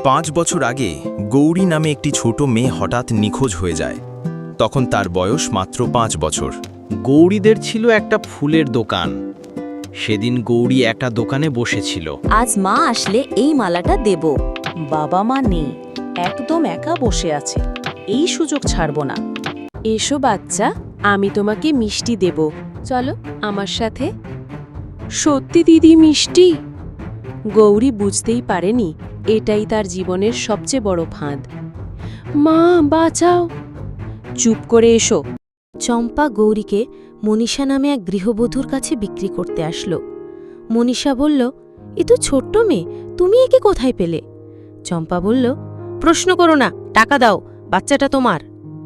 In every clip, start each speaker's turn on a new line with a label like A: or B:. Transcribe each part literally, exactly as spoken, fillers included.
A: পাঁচ বছর আগে গৌরী নামে একটি ছোট মেয়ে হঠাৎ নিখোঁজ হয়ে যায়। তখন তার বয়স মাত্র পাঁচ বছর।
B: গৌরীদের ছিল একটা ফুলের দোকান। সেদিন গৌরী একটা দোকানে বসেছিল।
C: আজ মা আসলে এই মালাটা দেব।
D: বাবা মা নেই, একদম একা বসে আছে, এই সুযোগ ছাড়ব না।
E: এসো বাচ্চা, আমি তোমাকে মিষ্টি দেব, চলো আমার সাথে। সত্যি দিদি মিষ্টি? গৌরী বুঝতেই পারেনি এটাই তার জীবনের সবচেয়ে বড় ফাঁদ। মা বাঁচাও! চুপ করে এসো।
C: চম্পা গৌরীকে মনীষা নামে এক গৃহবধূর কাছে বিক্রি করতে আসলো। মনীষা বলল, এ তো ছোট্ট মেয়ে, তুমি একে কোথায় পেলে? চম্পা বলল, প্রশ্ন করো না, টাকা দাও, বাচ্চাটা তোমার।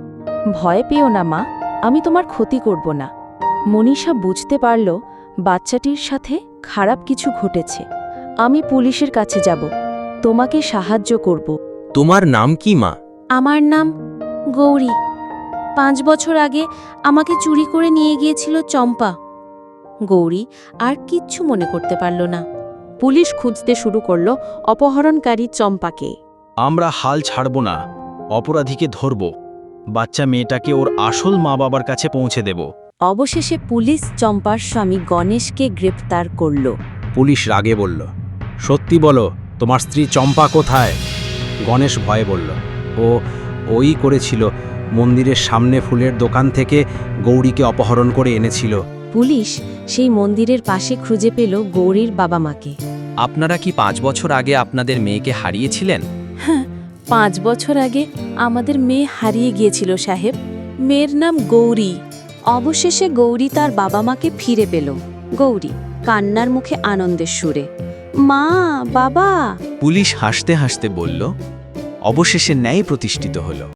D: ভয় পেও না মা, আমি তোমার ক্ষতি করব না। মনীষা বুঝতে পারল বাচ্চাটির সাথে খারাপ কিছু ঘটেছে। আমি পুলিশের কাছে যাব, তোমাকে সাহায্য করব।
B: তোমার নাম কি মা?
C: আমার নাম গৌরী। পাঁচ বছর আগে আমাকে চুরি করে নিয়ে গিয়েছিল চম্পা। গৌরী আর কিচ্ছু মনে করতে পারল না।
E: পুলিশ খুঁজতে শুরু করল অপহরণকারী চম্পাকে।
B: আমরা হাল ছাড়ব না, অপরাধীকে ধরব, বাচ্চা মেয়েটাকে ওর আসল মা বাবার কাছে পৌঁছে দেব।
C: অবশেষে পুলিশ চম্পার স্বামী গণেশকে গ্রেপ্তার করল।
B: পুলিশ রাগে বলল, সত্যি বলো, তোমার স্ত্রী চম্পা কোথায়? গণেশ ভয়ে বলল, ও ওই করেছিল, মন্দিরের সামনে ফুলের দোকান থেকে গৌরীকে অপহরণ করে এনেছিল।
C: পুলিশ সেই মন্দিরের পাশে খুঁজে পেল গৌরীর বাবা মাকে।
F: আপনারা কি পাঁচ বছর আগে আপনাদের মেয়েকে হারিয়েছিলেন?
E: হ্যাঁ, পাঁচ বছর আগে আমাদের মেয়ে হারিয়ে গিয়েছিল সাহেব। মেয়ের নাম গৌরী।
C: অবশেষে গৌরী তার বাবা মাকে ফিরে পেল। গৌরী কান্নার মুখে আনন্দের সুরে, মা বাবা।
F: পুলিশ হাসতে হাসতে বলল, অবশেষে ন্যায় প্রতিষ্ঠিত হলো।